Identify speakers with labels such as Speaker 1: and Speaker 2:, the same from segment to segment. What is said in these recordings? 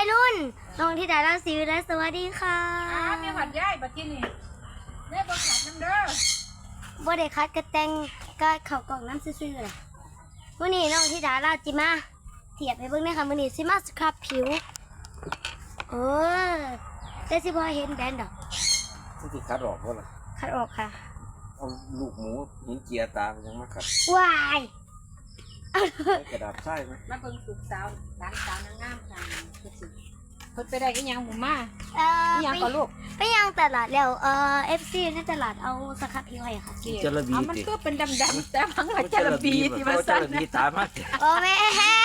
Speaker 1: รุ่นน้องธิดาราศีวิไลสวัสดีค่ะ
Speaker 2: มีหัดย่ายบัดที่นี่ได้บขัดน้ำเด้อ
Speaker 1: บ่ได้คัดกระแตงก็เข่ากล่องน้ำซื่อๆเลยวันนี้น้องธิดาราจิมาเทียบให้เบิ่งนะคะวันนี้สิมาสครับผิวแต่สิพอเห็นแบนดอก
Speaker 3: ที่คัดออกเพราะอะไร
Speaker 1: คัดออกค่ะ
Speaker 3: เอาลูกหมูหินเจียตามยังมาขัด
Speaker 1: วาย
Speaker 3: กระดาษใช่ไหม
Speaker 2: มาเบิ่งสุกสาวร้านสาวนางงามค่ะเพิ่นไปได้อีหยังหมูมาอีหยังก็ลูก
Speaker 1: ไปยังตลาดแล้วFC ในตลาดเอาสครับผิวให้ค่ะ
Speaker 3: จระบี
Speaker 2: มันก็เป็นดำๆแต่บางว่าจระบีที่มันสั่น
Speaker 3: จระบีตามมา
Speaker 1: โอ้แม่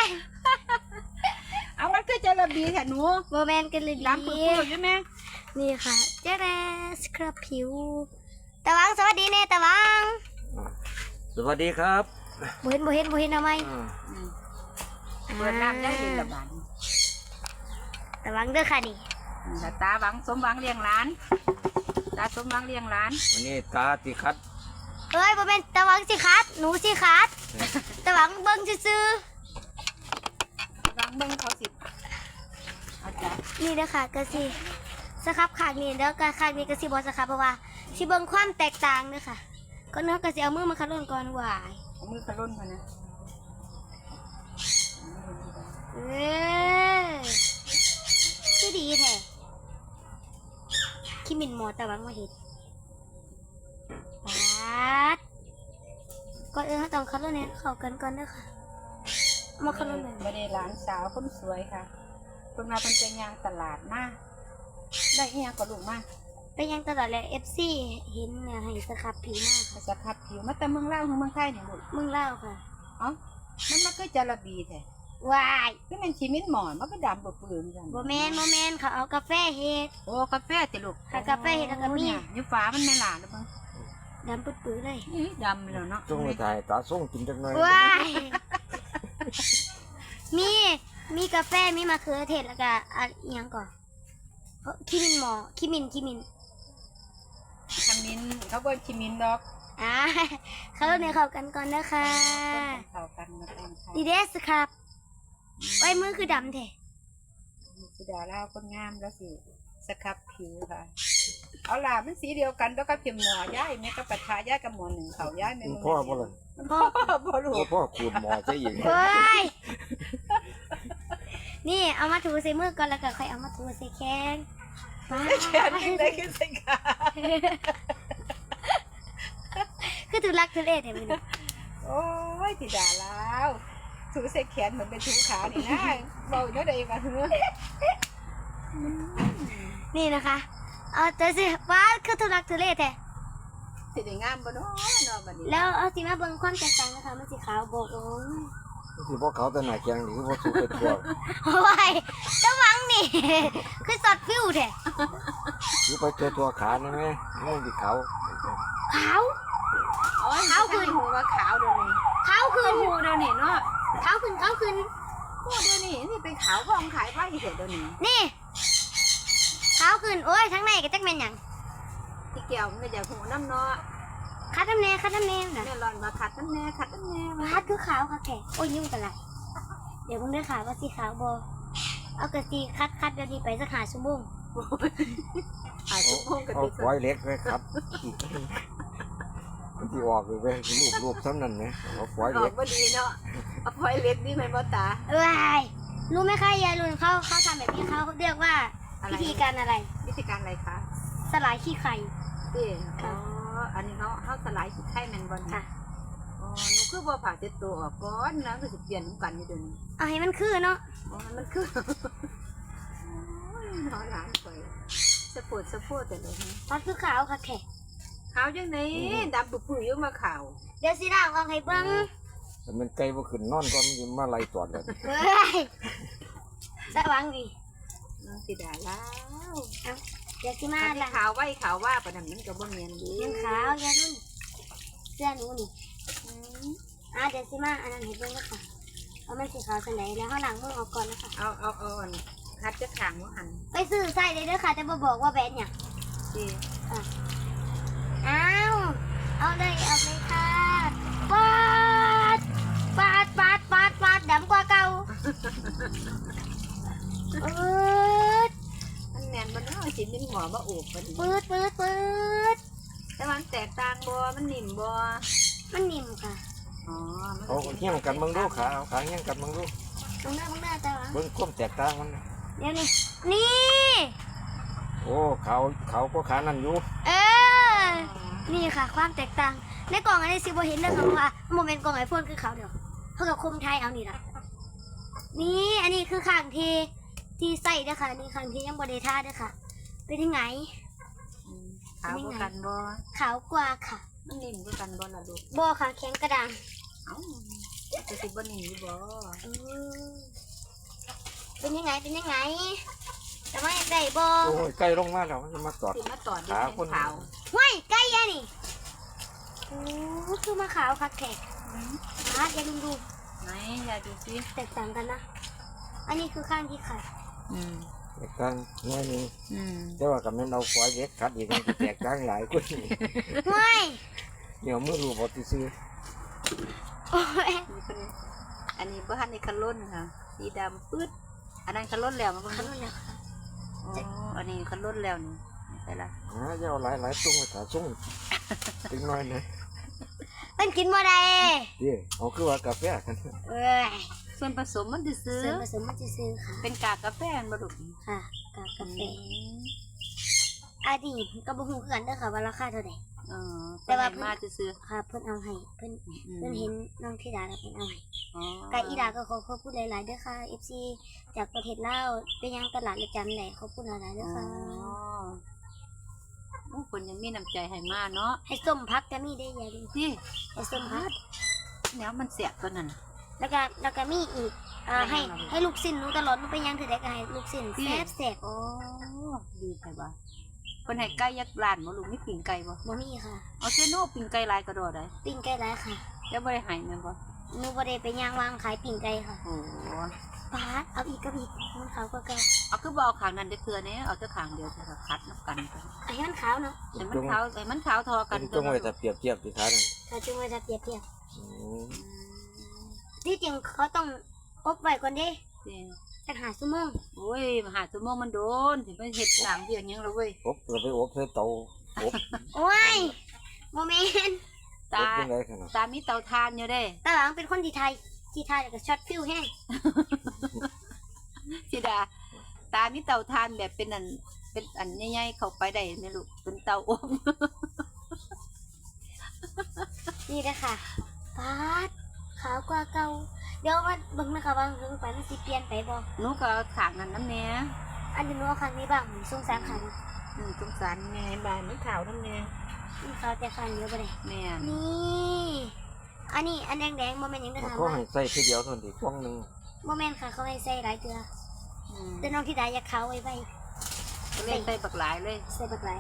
Speaker 2: เอามันคือจระบีแท้หนู
Speaker 1: โบแมนกันเลยดี
Speaker 2: ดำปื้อๆใช่ไหม
Speaker 1: นี่ค่ะเจเรสครับผิวตะวังสวัสดีเน่ตะวัง
Speaker 3: สวัสดีครับ
Speaker 1: บ่เห็นทำไม
Speaker 2: เปิดน้ำได้เห็นละบาท
Speaker 1: ตะวังเด้อค่ะนี่
Speaker 2: ตาหวังสมหวังเลี้ยงหลานตาสมหวังเลี้ยงหลาน
Speaker 3: วันนี้ตาติคัด
Speaker 1: เอ้ยบ่เป็นตะวังสิคัดหนูสิคัดตะวังเบิ่งซื่อ
Speaker 2: ตะวังเบิ่งเขาสิ
Speaker 1: นี่เด้อค่ะก็สิสครับข้างนี้แล้วก็ข้างนี้ก็สิบ่สครับเพราะว่าสิเบิ่งความแตกต่างเด้อค่ะก็เนาะก็สิเอามือมาคัดลนก่อนวาย
Speaker 2: เอามือคัดลนก่อนนะ
Speaker 1: คือดีแท้ขี้มินหมอตะวังมาเห็ดปัดก่อนอื่นเขาต้องคัดลนเนี่ยเข้ากันก่อนเด้อค่ะมาคัดลนเลย
Speaker 2: ไม่ได้หลานสาวคนสวยค่ะคนมาเป็นเจ้ายางตลาดมากได้อีหยังก็ลูกมาก
Speaker 1: ไปยังตลาดแล้ว FC เห็นเนี่ยให้สครับผิวมาก
Speaker 2: สครับผิวมาแต่เมืองลาวหรือเมืองไทยนี่ลูก
Speaker 1: เมืองลาวค่ะ
Speaker 2: อ๋อมันคือจระบีแท้
Speaker 1: วาย
Speaker 2: คือมันชิมินหมอนมันก็ดำเปื่อยๆจัง
Speaker 1: บ่แม่นเขาเอากาแฟเฮ็ด
Speaker 2: โอ้กาแฟติลูก
Speaker 1: กาแฟเฮ็ดแล้วก็มี
Speaker 2: อยู่ฟ้ามันไม่หลาหรือเปล่า
Speaker 1: ดำปื้อๆเลย
Speaker 2: ดำแล้วเนาะ
Speaker 3: จงไปถ่ายตาส่งกินจังหน่อย
Speaker 1: วายมีกาแฟมีมะเขือเทศแล้วก็อีหยังก่อนขี้มินหมอขี้มิน
Speaker 2: ขมิ้นเขาบอกชิมินดอก
Speaker 1: เขาเนี่ยเข้ากันก่อนนะคะ
Speaker 2: เข้ากันมาตั้ง
Speaker 1: ดีเดสครับไว้มือคือดำแท้
Speaker 2: สีดาเล่าคนงามแล้วสิสครับผิวค่ะเอาล่ะมันสีเดียวกันแล้วก็เข็มหมอย่ายแม่กับปะทาย่ายกับหมอหนึ่งเขาย่ายแม่
Speaker 3: พ่อบ่เลย
Speaker 2: พ่อลูก
Speaker 3: พ่อขูดหมอใช่ยิง
Speaker 1: เฮ้ยนี่เอามาถูใส่มือก่อนแล้วก็ค่อยเอามาถูใส่แขน
Speaker 2: แขนได้ขึ้นใส่ขา
Speaker 1: คือถูรักทุเรศเห็นไหมนี่
Speaker 2: โอ้ยสีดาเล่าถูใส่แขนเหมือนเป็นถูขานี่นะบอกเนาะเด็กมาเถอะ
Speaker 1: นี่นะคะเอาแต่สิว่าคือถูรักทุเรศแท้
Speaker 2: สีงามบ่เนาะบัดนี้
Speaker 1: แล้วเอาสิมาเบิ่งความแตกต่างนะคะมันสีขาวโบก
Speaker 3: คือพวกเขาแต่หน้าแข็งนี่คือพวกสูงเป็นตัว
Speaker 1: โอ้ยตะวังนี่คือสดฟิวแท้
Speaker 3: คือไปตัวขานี่ไหมนี่ดิเขา
Speaker 2: ขาวขึ้นหัวว่าขาวเดี๋ยวนี้
Speaker 1: ขาวขึ้น
Speaker 2: หัวเดี๋ยวนี้เนาะ
Speaker 1: ขาวขึ้น
Speaker 2: หัวเดี๋ยวนี้นี่เป็นขาวพองขายผ้าที่เสร็จเดี๋ยวนี้
Speaker 1: นี่ขาวขึ้นโอ้ยทั้งในกับจักแม่นหยัง
Speaker 2: ที่เกี่ยวมันจะหัวน้ำเนาะ
Speaker 1: คัดน้ำแน่
Speaker 2: แม่ร้อนมาคัดน้ำแน่คัด
Speaker 1: คือขาวค่ะแกโอ้ยยุ่งกันละเดี๋ยวมึงได้ข่าวว่าสีขาวโบเอากระสีคัดเดี๋ยวนี้ไปสักหาชั่วโมง
Speaker 3: เอาไว้เล็กเลยครับมันที่ออกเลยเว้ยรูปซ้ำนั่นนะเอาไว้เล็ก
Speaker 2: พอดีเนาะเอาไว้เล็กนี่มันบ่ตา
Speaker 1: รู้ไหมคะยายรุ่นเขาทำแบบนี้เขาเรียกว่าวิธีการอะไร
Speaker 2: คะ
Speaker 1: สลายขี้ไข่
Speaker 2: อันนี้เขาสลายขี้ไข่แมงบอลค่ะหนูคือบ่ผ่าเจ็ดตัวออกก่อนนะก็จะเปลี่ยนกันอยู่เดี๋ยวนี้
Speaker 1: เอาให้มันคือเนาะ
Speaker 2: มันคือน้อยหลานไปสะโพดแต่เลย
Speaker 1: มันคือขาวค่ะแขก
Speaker 2: ขาวจังไหนดำปุ๋ยๆมาขาว
Speaker 1: เดี๋ยวสิด่างเอาให้เบิ้ง
Speaker 3: แต่มันไกลว่าขึ้นนอนก็มันมาไล่ตอดเลย
Speaker 1: สว่างอี
Speaker 2: น้องสีดาแล้ว
Speaker 1: เดี๋ยวสิมา
Speaker 2: ละขาวไว้ขาวว่าประดับนั้นกับบ่เมียนดี
Speaker 1: ยังขาวยารุ่นเสื้อหนูนี่เดี๋ยวสิมาอันนั้นเห็นเบิ้งแล้วค่ะเอามันสีขาวสันไหนแล้วข้างหลังมือเอาก่อนนะคะ
Speaker 2: เอาคัดจะขางว่าหัน
Speaker 1: ไปซื้อใส่เลยเด้อค่ะแต่บอกว่าแบนเนี่ย
Speaker 2: ดี
Speaker 1: เอาเลยค่ะปาดดำกว่าเก่า
Speaker 2: อมาโอบมัน
Speaker 1: ปืดปืดปืด
Speaker 2: แต่มันแตกต่างบ่มันนิ่มบ่
Speaker 1: มันนิ่มค่ะ
Speaker 2: อ๋อมัน
Speaker 3: เอาเฮี้ยงกันเบิ่งดูขาเอาขาเฮี้ยงกันเบิ่งดู
Speaker 1: ตรงหน้าแต่ว่า
Speaker 3: เบิ่งความแตกต่างมันนะ
Speaker 1: เดี๋ยวนี้นี่
Speaker 3: โอ้เขาก็ขานั่นอยู่
Speaker 1: นี่ค่ะ ความแตกต่างในกล่องอันนี้สิบ่เห็นเด้อค่ะว่าโมเมนต์กล่องไอโฟนคือเขาเดียวเขากับคมไทยเอานี่ล่ะนี่อันนี้คือข้างที่ใส่เด้อค่ะนี่ข้างที่ยังบ่ได้ทาเด้อค่ะ เป็นยังไง
Speaker 2: ขาวกว่ากันบ่
Speaker 1: ขาวกว่าค่ะ
Speaker 2: มันนิ่มกว่ากันบ่ล่ะลูก
Speaker 1: บ่ค่ะแข็งกระด้าง
Speaker 2: เอ้าจะสิบ่นิ่มอยู่บ่
Speaker 1: อืมเป็นยังไงแต่ว่าอยากได้บ่
Speaker 3: โอ้ยใกล้ลงมาแล้วมันจะมาตอด
Speaker 2: สิมาตอด
Speaker 3: ขาคน
Speaker 2: ขาว
Speaker 1: ห้วยใกล้ยังนี่โอ้คือมาขาวคักแขกอย่าดู
Speaker 2: ไหนอย่าดูสิ
Speaker 1: แตกต่างกันนะ อันนี้คือข้างที่ขาด
Speaker 3: แตกต่างน้อยหนึง
Speaker 2: อืม
Speaker 3: แต่ว่ากับแม่นเอาควายเล็กคัดอีกมันสิแตกต่างหลายกว่านี้
Speaker 1: ห้วย
Speaker 3: เดี๋ยวมือรู้บ่ติซื้อ
Speaker 1: โอ้ย
Speaker 2: นี่เป็นอันนี้บ่ทันในคันล้นค่ะสีดำปึ๊ดอันนั้นคันล้นแล้วมันบ่
Speaker 1: ขนุนแล้วค่ะ
Speaker 2: อ๋ออันนี้คันล้นแล้วนี่ใส่ละ
Speaker 3: อย่าเอาหลายตุ้งไปขาซุ้งตึงน้อยเลย
Speaker 1: เป็นกินบ่ได้
Speaker 3: เดี๋ยวเอาคือว่ากาแฟกัน
Speaker 1: เอ้ย
Speaker 2: ส่วนผสมมันจะซื้อ
Speaker 1: ส่วนผสมมันจะซื้อค่ะ
Speaker 2: เป็นกากกาแฟมันบ่ลูก
Speaker 1: ค่ะกาแฟอันนี้ก็บ่ฮู้คือกันเด้อค่ะว่าราคาเท่าใด
Speaker 2: เออ
Speaker 1: แต่ว่า
Speaker 2: มาจะซื้อ
Speaker 1: ค่ะเพิ่นเอาให้เพิ่นเห็นน้องธิดาแล้วเพิ่นเอาให้
Speaker 2: อ๋อ
Speaker 1: กาอีดาก็ขอขอบคุณหลายๆเด้อค่ะ FC จากประเทศลาวเป็นยังตลาดประจำไหนขอบคุณหลายๆเด้อค่ะ
Speaker 2: โอ้คนยังมีน้ำใจให้มาเนาะ
Speaker 1: ให้ส้มพักก็มีได้อย่าลืม
Speaker 2: ที่
Speaker 1: ให้ส้มพัก
Speaker 2: แล้วมันเสียตัวนั้น
Speaker 1: แล้วก็มีอีกให้ลูกสิ้นหนูตลอดหนูไปยังถือได้ก็ให้ลูกสิ้นแซ่บ
Speaker 2: โอ้ดีไปบ่คนให้ไก่ยักษ์ร้านบ่ลูกมีปิ่งไก่บ่
Speaker 1: ๆบ่มีค่ะ
Speaker 2: เอาเซโน่ปิ่งไก่ลายกระโดดได้
Speaker 1: ปิ้งไก่หลายค่ะ
Speaker 2: แล้วบ่ได้ให้แม่นบ่
Speaker 1: หนูบ่ได้ไปย่างวางขายปิ้งไก่ค่ะ
Speaker 2: โอ้
Speaker 1: ปาดเอาอีกก็อีกมันขาวกว่าเก่า
Speaker 2: เอาคือบ่เอาข้างนั้นได้เทื่อแน่เอาแต่ข้างเดียวแต่คัดนับกันไป
Speaker 1: อันนี้มันขาวเนาะ
Speaker 2: ให้มันขาวให้มันขาวทอกัน
Speaker 3: จงไว้ถ้าเปรียบเทียบที่ขานั่น
Speaker 1: ถ้าจุ่มไว้ถ้าเปรียบเทียบ
Speaker 3: อืม
Speaker 1: ที่จริงเขาต้องอบไว้ก่อนเด้
Speaker 2: จริง
Speaker 1: จักหาชั่วโมง
Speaker 2: โอ้ยมหาชั่วโมงมันโดนสิไปเฮ็ดสร้างเวียงหยังแล้วเว้ย
Speaker 3: อบเราไปอบใส่เตาอบ
Speaker 1: โอ้ยโมเมนต์
Speaker 2: ตา
Speaker 3: อบเป็นไรขนาด
Speaker 2: ตามีเตาถ่านอยู่เด้
Speaker 1: ตาหลังเป็นคนที่ไทยแล้วก็ช็อตฟิวแห้ง
Speaker 2: สิดาตามีเตาถ่านแบบเป็นอันเป็นอันใหญ่ๆเข้าไปได้แม่ลูกเป็นเตาอบ
Speaker 1: นี่นะคะปาดขาวกว่าเก่าเดี๋ยวมาเบิ่งนะคะว่าเรื่องไปมันสิเปลี่ยนไปบ่
Speaker 2: หนูก็ขางนั้นน้ำแหน่
Speaker 1: อันนี้หนูเอาครั้งนี้บ้างสงสารครั้ง
Speaker 2: สงสารแม่บ้านมันขาวน้ำแหน่
Speaker 1: นี่เขาแต่ครั้งเดียวบ่ได้
Speaker 2: แม่น
Speaker 1: นี่อันนี้อันแดงๆบ่แม่นหยังเด้อ
Speaker 3: มัน
Speaker 1: ค่ะ
Speaker 3: ก็ให้ใส่ทีเดียวเท่านั้นดีกล่องหนึง
Speaker 1: บ่แม่นค่ะเขาให้ใส่หลายเทื่อ
Speaker 2: อืม
Speaker 1: แต่น้องที่ได้อยากเขาไว้
Speaker 2: ก็เล่นใส่บักหลายเลย
Speaker 1: ใส่บักหลาย